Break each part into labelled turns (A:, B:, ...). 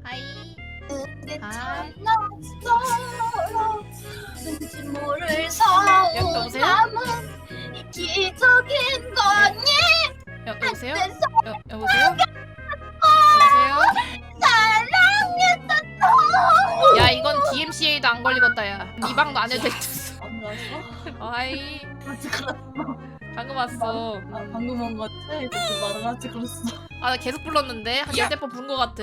A: 하이.
B: 그게
A: 하이.
B: 참났어. 왠지 모를 서운
A: 여보세요?
B: 마음은 기적인 거니?
A: 여보세요?
B: 그래서
A: 여보세요? 여보세요?
B: 사랑했었어.
A: 야 이건 DMCA도 안 걸리겠다 야. 이 방도 안 해도 됐어.
B: 안 나왔어?
A: 하이.
B: 같이 걸었어.
A: 방금 왔어.
B: 아, 방금 온 것 같아. 그래서 나랑 같이 걸었어.
A: 아 나 계속 불렀는데 한 10번 부른 것 같아.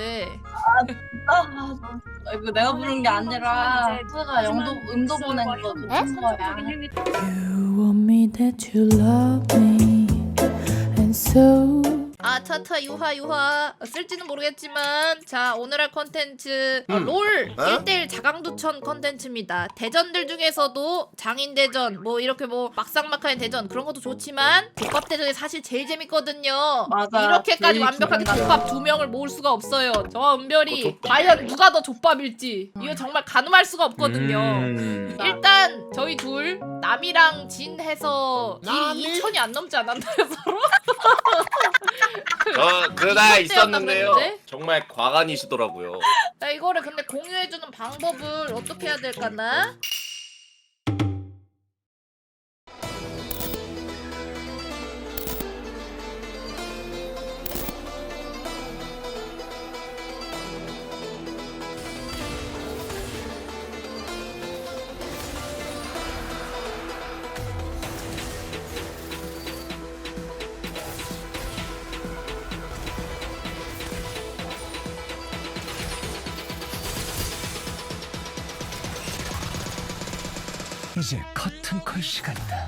B: 이거 내가 부른 게 아니라 수가 음도 보낸 거 부른 거야.
C: You want me that you love me, and so
A: 아 차차 유하 쓸지는 모르겠지만 자 오늘 할 컨텐츠 롤 1대1 자강두천 컨텐츠입니다. 대전들 중에서도 장인대전 뭐 이렇게 뭐 막상막하인 대전 그런 것도 좋지만 족밥대전이 사실 제일 재밌거든요.
B: 맞아.
A: 이렇게까지
B: 제일
A: 완벽하게
B: 기분
A: 족밥 2명을 모을 수가 없어요. 저와 은별이 과연 누가 더 족밥일지 이거 정말 가늠할 수가 없거든요. 일단 저희 둘 남이랑 진 해서 딜이 2천이 안 넘지 않았나요 서로?
D: 그날 있었는데요.
A: 그랬는데?
D: 정말 과간이시더라고요.
A: 야, 이거를 근데 공유해주는 방법을 어떻게 해야 될까나?
E: 이제 커튼콜 시간이다.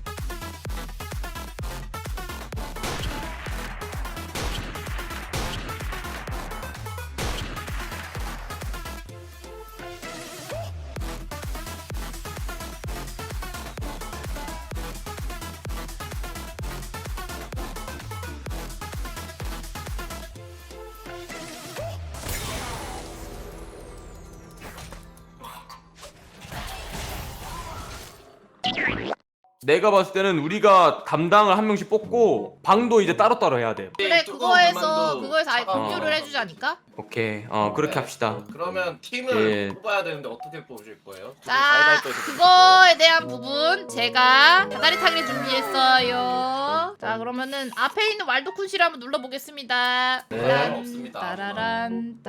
F: 내가 봤을 때는 우리가 담당을 한 명씩 뽑고 방도 이제 따로따로 해야 돼.
A: 그래 그거에서 아예
D: 차가워.
A: 공유를 해주자니까.
F: 오케이. 그렇게 합시다.
D: 그러면 팀을
F: 예.
D: 뽑아야 되는데 어떻게 뽑으실 거예요?
A: 자
D: 가위바위보에서 뽑으실
A: 그거에 대한 부분 제가 다다리 타기를 준비했어요. 자 그러면은 앞에 있는 왈도쿤 씨를 한번 눌러보겠습니다.
D: 네, 없습니다.
A: 따라란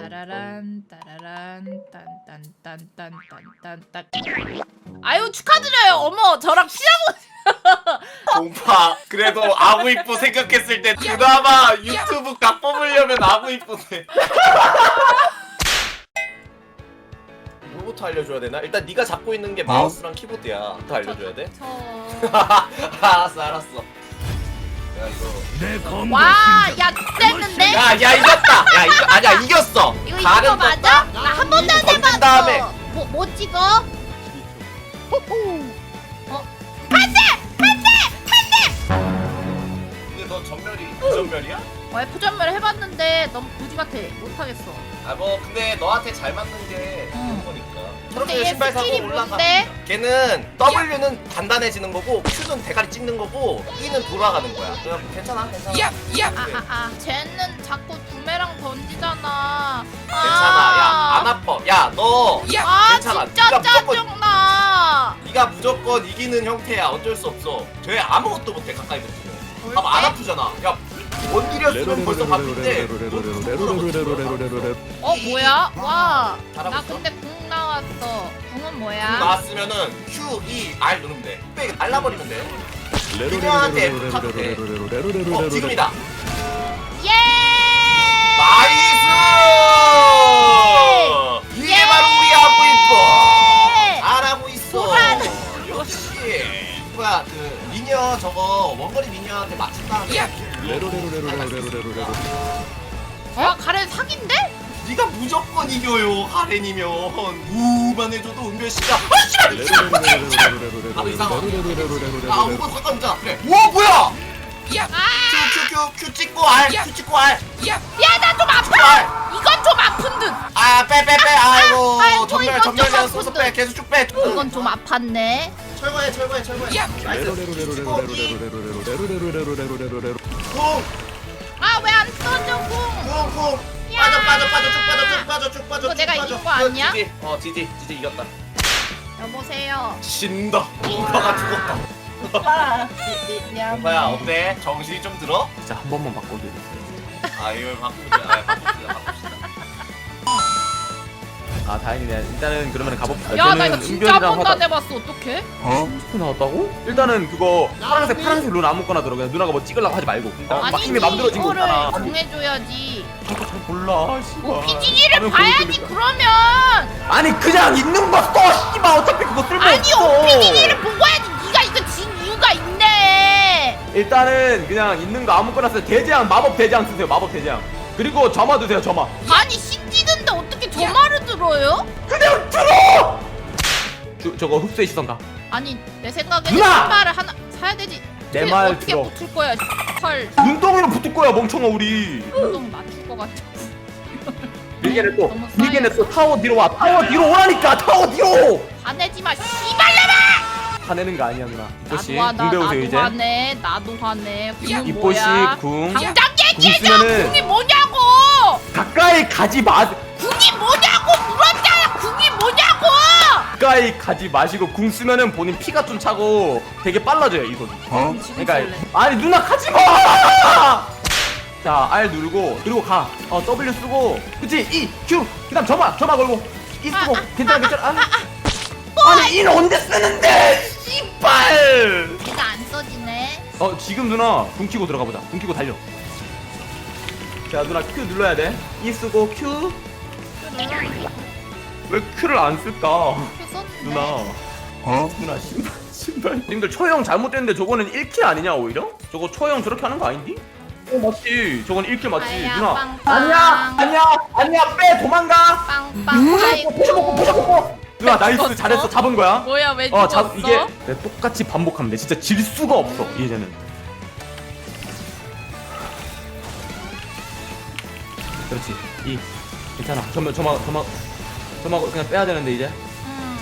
A: 딴딴딴딴딴딴딴딴. 아유 축하드려요. 어머 저랑 피자고.
D: 공파 그래도 아구 이뻐 생각했을 때 그나마 유튜브 각 뽑으려면 아구 이쁘네. 뭐부터 알려줘야 되나? 일단 네가 잡고 있는 게 마우스랑 키보드야. 부터 알려줘야 돼? 알았어. 야 이거.
E: 내 검.
A: 와야 됐는데?
D: 야 이겼다. 야 이거 아니야 이겼어.
A: 이거 이긴 거 맞아? 나 한 번도 안
D: 던진
A: 해봤어.
D: 다음에.
A: 뭐 찍어?
D: 근데 너 전멸이 부전멸이야?
A: F전멸 해봤는데 너무 거지 같아. 못하겠어.
D: 아 뭐 근데 너한테 잘 맞는 게 그런 거니까.
A: 근데
D: 초록색
A: 얘
D: 신발 사고
A: 스킬이
D: 올라가.
A: 뭔데?
D: 걔는 W는 단단해지는 거고 Q는 대가리 찍는 거고 E는 돌아가는 거야. 그럼 괜찮아.
A: 쟤는 자꾸 부메랑 던지잖아.
D: 괜찮아. 야 안 아파. 야 너. 괜찮아.
A: 진짜
D: 네가 무조건
A: 짜증나.
D: 네가 무조건 이기는 형태야. 어쩔 수 없어. 쟤 아무것도 못해 가까이 붙으면. 봐봐 안 아프잖아. 야 원딜이었으면 벌써 바쁜데.
A: 뭐야? 와.
D: 잘하고
A: 나
D: 있어?
A: 근데 궁 나왔어. 궁은 뭐야?
D: 나왔으면은 Q, E, R 누르면 돼. 빽 날라버리면 돼. 미녀한테 붙어도 돼. 지금이다.
A: 예!
D: 나이스! 이게 바로 우리 아구 이뻐. 잘하고 있어. 역시. 뭐야 그 미녀 저거 원거리 미녀한테 맞춘 다음에.
A: 가렌 사기인데?
D: 네가 무조건 이겨요 가렌이면. 우만 해줘도 은별 씨가. 나도 이상하. 아 우건 상관없잖아. 그래. 오 뭐야? Q 찍고 R. Q 찍고 R.
A: 야 나 좀 아파. 이건 좀 아픈 듯.
D: 빼. 아이고
A: 아이고,
D: 전멸
A: 이건 좀
D: 내가 써서
A: 아픈데.
D: 빼. 계속 쭉 빼.
A: 이건 좀 아팠네.
D: 철거해. 나이스. 찍고 E. 쿵.
A: 아 왜 안 써져 궁?
D: 쿵. 빠져 쭉. 빠져 쭉 빠져
A: 이거
D: 쭉
A: 내가
D: 빠져.
A: 이긴 거 아니야?
D: 지지 이겼다.
A: 여보세요.
D: 진다. 오빠가 죽었다.
B: 오빠 미안.
D: 오빠야 어때? 정신이 좀 들어?
F: 진짜 한 번만 바꿔줘.
D: 아 이걸 바꿉시다.
F: 아 다행이네. 일단은 그러면 가봅시다.
A: 야 나
F: 저는
A: 이거 진짜 한
F: 은별이랑
A: 번도 안
F: 하다-
A: 해봤어. 어떡해?
F: 스프 나왔다고? 일단은 그거 파란색 룬 아무거나 들어. 그냥 누나가 뭐 찍으려고 하지 말고. 막 이미 맘들어진 거
A: 이거를
F: 있잖아.
A: 정해줘야지.
F: 나도 잘 몰라. 씨발.
A: OPG를
F: 하면
A: 봐야지
F: 보여주니까.
A: 그러면.
F: 아니 그냥 있는 거 써. 씨발 어차피 그거 쓸모
A: 아니
F: 없어.
A: OPG를 보고 해야지. 네가 이거 진 이유가 있네.
F: 일단은 그냥 있는 거 아무거나 쓰세요. 대재앙 마법 대재앙 쓰세요. 마법 대재앙. 그리고 점화 드세요. 점화.
A: 아니 신지는데 어떻게 저 말을 들어요?
F: 그냥 들어. 저거 흡수의 시선가.
A: 아니 내 생각에는
F: 누나!
A: 신발을 하나 사야 되지.
F: 내
A: 근데
F: 말
A: 어떻게
F: 들어.
A: 붙을 거야? 헐,
F: 눈덩이로 붙을 거야 멍청아 우리.
A: 좀 맞출 것 같아.
F: 밀게네 또.
A: 너무
F: 밀게네
A: 쌓여.
F: 또 타워 뒤로 와. 타워 뒤로 오라니까. 타워 뒤로.
A: 화내지 마, 씨발놈아!
F: 화내는 거 아니야 누나. 이뽀씨
A: 나도 화나,
F: 궁 배우세요
A: 나도
F: 이제.
A: 화내, 나도 화내. 궁은
F: 이뽀씨
A: 뭐야?
F: 궁.
A: 당장 얘기해줘.
F: 쓰면은-
A: 궁이 뭐냐고.
F: 가까이 가지 마.
A: 궁이 뭐냐고 물었잖아. 궁이 뭐냐고.
F: 가까이 가지 마시고 궁 쓰면은 본인 피가 좀 차고 되게 빨라져요 이건.
A: 지금
F: 그러니까
A: 쓸래.
F: 아니 누나 가지 마. 자 R 누르고 그리고 가. W 쓰고 그치 E Q 그다음 점화 걸고 E 쓰고 괜찮아. 아니 E는 언제 쓰는데? 씨발.
A: 얘가 안 써지네.
F: 지금 누나 궁 키고 들어가 보자. 궁 키고 달려. 자 누나 Q 눌러야 돼. E 쓰고 Q. 왜 Q를 안 쓸까? 누나. 누나 신발. 님들 초형 잘못됐는데 저거는 1킬 아니냐 오히려? 저거 초형 저렇게 하는 거 아닌디? 맞지. 저건 1킬 맞지.
A: 아야,
F: 누나.
A: 빵빵.
F: 아니야 빼 도망가.
A: 빵빵. 아이고.
F: 부셔먹고. 누나 나이스 잘했어 잡은 거야.
A: 뭐야 왜 죽었어?
F: 이게 내가 똑같이 반복하면 돼. 진짜 질 수가 없어 이제는. 그렇지. 이 괜찮아. 점화 그냥 빼야 되는데 이제.
A: 응.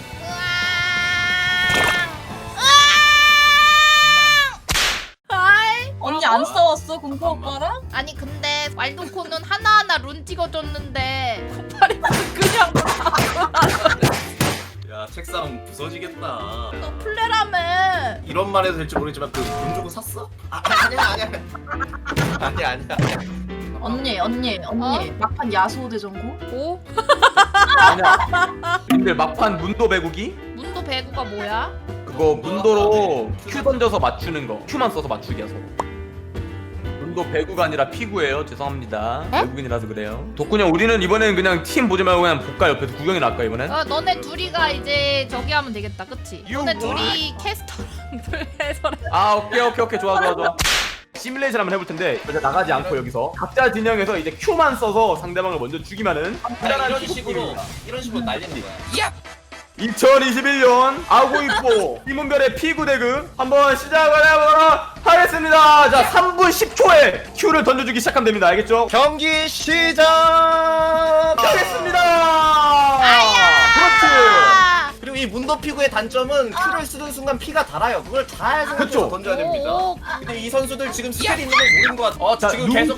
A: 아이.
B: 언니 안 싸웠어 공포 오빠랑?
A: 아니 근데 왈도코는 하나하나 룬 찍어줬는데 코파리는 그냥
D: 야 책상 부서지겠다.
A: 너 플레라며.
D: 이런 말 해도 될지 모르겠지만 그 돈 주고 샀어? 아니야.
B: 언니 막판 야수호 대전고?
A: 오?
F: 아니야. 님들 막판 문도 배구기?
A: 문도 배구가 뭐야?
F: 그거 문도로 Q 던져서 맞추는 거. Q만 써서 맞추기야 서로. 문도 배구가 아니라 피구예요. 죄송합니다. 외국인이라서 그래요. 덕분에 우리는 이번엔 그냥 팀 보지 말고 그냥 볼까 옆에서 구경이나 할까 이번엔?
A: 너네 둘이가 이제 저기 하면 되겠다 그치? 너네
F: You
A: 둘이 캐스터랑 플레이서랑
F: 아 오케이 좋아. 시뮬레이션 한번 해볼 텐데 이제 나가지 않고 여기서 각자 진영에서 이제 Q만 써서 상대방을 먼저 죽이면은
D: 이런 식으로 날리는 거야.
F: 2021년 아고이포 이문별의 피구 대금 한번 시작을 해보도록 하겠습니다. 자 3분 10초에 Q를 던져주기 시작하면 됩니다. 알겠죠?
D: 경기 시작.
F: 하겠습니다.
A: 아!
D: 그리고 이 문도 피구의 단점은 Q를 쓰는 순간 피가 달아요. 그걸 잘 생각해서
F: 그쵸?
D: 던져야 됩니다.
A: 오,
D: 근데 이 선수들 지금 스펠이 있는 걸 모르는 것 같아.
F: 자,
D: 지금 계속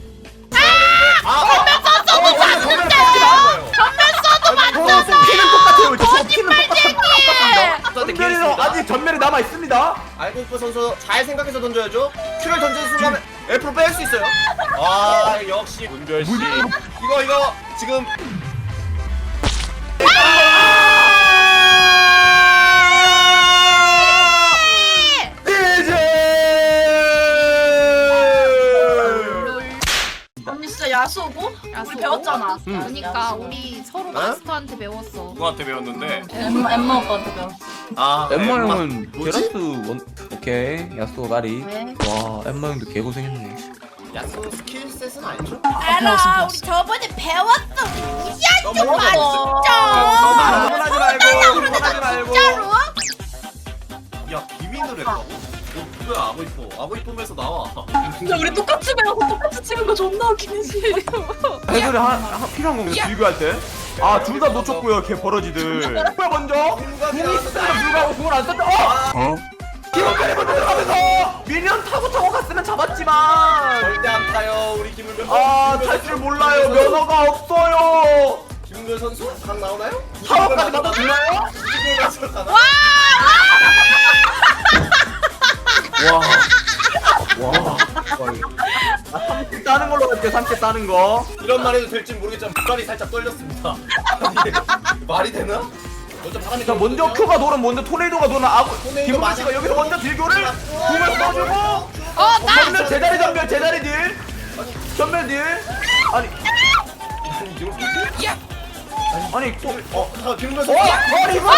A: 전면 써도
F: 피는 똑같아요. 저 피는
A: 거짓말쟁이!
F: 은별이는 아직 전멸이 남아 있습니다.
D: 알고있포 선수 잘 생각해서 던져야죠. Q를 던지는 순간 F로 뺄 수 있어요. 아 역시 문별 씨. 이거 지금
B: 언니 진짜 야수호고?
A: 야수호?
B: 우리 배웠잖아.
A: 그러니까 우리 서로 마스터한테 배웠어.
D: 누구한테 배웠는데?
B: 엠마 오빠한테 배웠어.
D: 아
F: 엠마
D: 엠마.
F: 형은
D: 뭐지?
F: 게라스 원 오케이 야스오 가리.
B: 왜?
F: 와 엠마 형도 개고생했네.
D: 야수 스킬셋은 아니죠?
A: 알아, 우리 저번에 배웠어. 우리 무시하지 마,
B: 배웠어.
A: 진짜.
F: 그만하지 말고 그만하지 말고.
A: 진짜로?
D: 야 비밀을 했다고? 뭐야 아고이포면서 나와.
B: 진짜 우리 똑같이 배워서 똑같이 찍은 거 존나 웃기지.
F: 애들이 필요한 건가요? 비교할 때? 아 둘 다 놓쳤고요 개 버러지들. 누가 먼저? 궁이 있으면 불구하고 궁을 안 썼다. 기록관에 먼저 들어가면서 미니언 타고 갔으면 잡았지만
D: 절대 안 타요 우리 김을배.
F: 탈 줄 몰라요. 면허가 없어요.
D: 선수? 각 나오나요?
F: 사업까지 나도 주나요?
D: 이걸 맞춰 가나?
F: 와. 3킬 따는 걸로 갈게요. 3킬 따는 거.
D: 이런 말 해도 될지 모르겠지만 목발이 살짝 떨렸습니다. 아니, 말이 되나? 먼저 바람이
F: 자 먼저
D: 들어오거든요?
F: 큐가 돌은 먼저 토네이도가 도는
D: 토네이도
F: 김우빈 씨가
D: 맞아.
F: 여기서 먼저 딜교를 공을 써주고
A: 나!
F: 전면 제자리 전멸 제자리 딜 전멸 딜 아니
D: 아니 이걸 뭐지?
F: 아니 또
D: 자 김은배
F: 어?
D: 선수
F: 아니 이거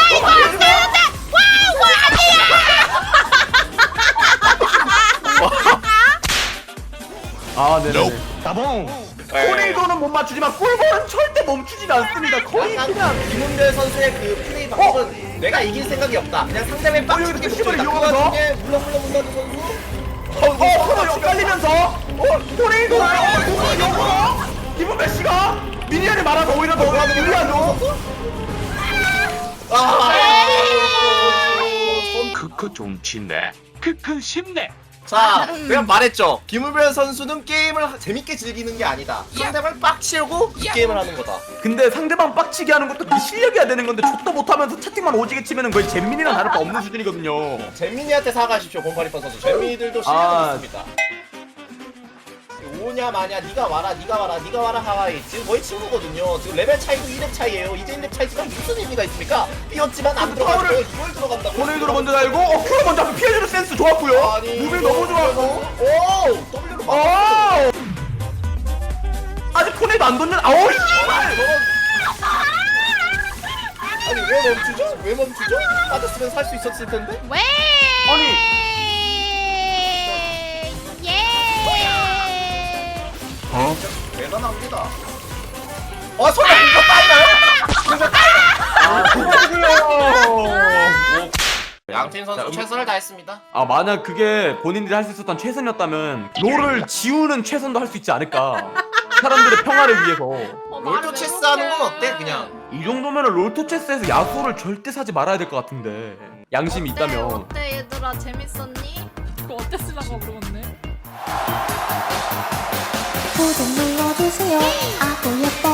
F: 아 네네
E: 따봉.
F: 토네이도는 못 맞추지만 꿀벌은 절대 멈추지 않습니다 거의
D: 약간
F: 그냥
D: 김은배 선수의 그 플레이 방법은 내가 이길 생각이 없다. 그냥 상대방이 빡치게
F: 여기서
D: 붙여
F: 힘을
D: 있다. 그
F: 이용해서?
D: 와중에 물렁물렁 문다는 선수.
F: 서로 엇갈리면서 토네이도가 영어가 김은배 씨가 미니언이 많아서 오히려 더 유리하죠
E: 크크 좀 친네. 크크 쉽네.
D: 자, 내가 말했죠. 김은배 선수는 게임을 재밌게 즐기는 게 아니다. 상대방을 빡치려고 이 게임을 하는 거다.
F: 근데 상대방 빡치게 하는 것도 그 실력이야 되는 건데 족도 못하면서 채팅만 오지게 치면은 거의 잼민이랑 다를 바 없는 수준이거든요
D: 잼민이한테 사과하십시오, 0828 선수. 잼민이들도 실력이
F: 아.
D: 있습니다. 오냐 마냐, 네가 와라, 네가 와라, 네가 와라 하와이. 지금 거의 친구거든요. 지금 레벨 차이도 2렙 차이예요. 이제 1렙 차이지만 무슨 의미가 있습니까? 뛰었지만 안 들어가고
F: 파워를-
D: 이걸 들어간다고.
F: 토네이도로 먼저 달고 큐가 먼저 앞에 피해주는 센스 좋았고요
D: 아니,
F: 무빙 너무 좋아서
D: 오! W로 막.
F: 어 아직 토네이도 안 던져 아우 씨발
D: 아니 왜 멈추죠? 왜 멈추죠? 빠졌으면 살 수 있었을 텐데.
A: 왜?
F: 아니
E: 어?
D: 대단합니다. 설마 이거 따이나요? 양팀 선수 최선을 다했습니다.
F: 아 만약 그게 본인들이 할 수 있었던 최선이었다면 롤을 지우는 최선도 할 수 있지 않을까 사람들의 평화를 위해서
D: 롤토 체스 하는 건 어때? 그냥
F: 이 정도면 롤토 체스에서 야수를 절대 사지 말아야 될 것 같은데 양심이 있다면
A: 어때 얘들아 재밌었니? 그거 어땠으려고 물어봤네.
C: 구독 눌러주세요. 아구 예뻐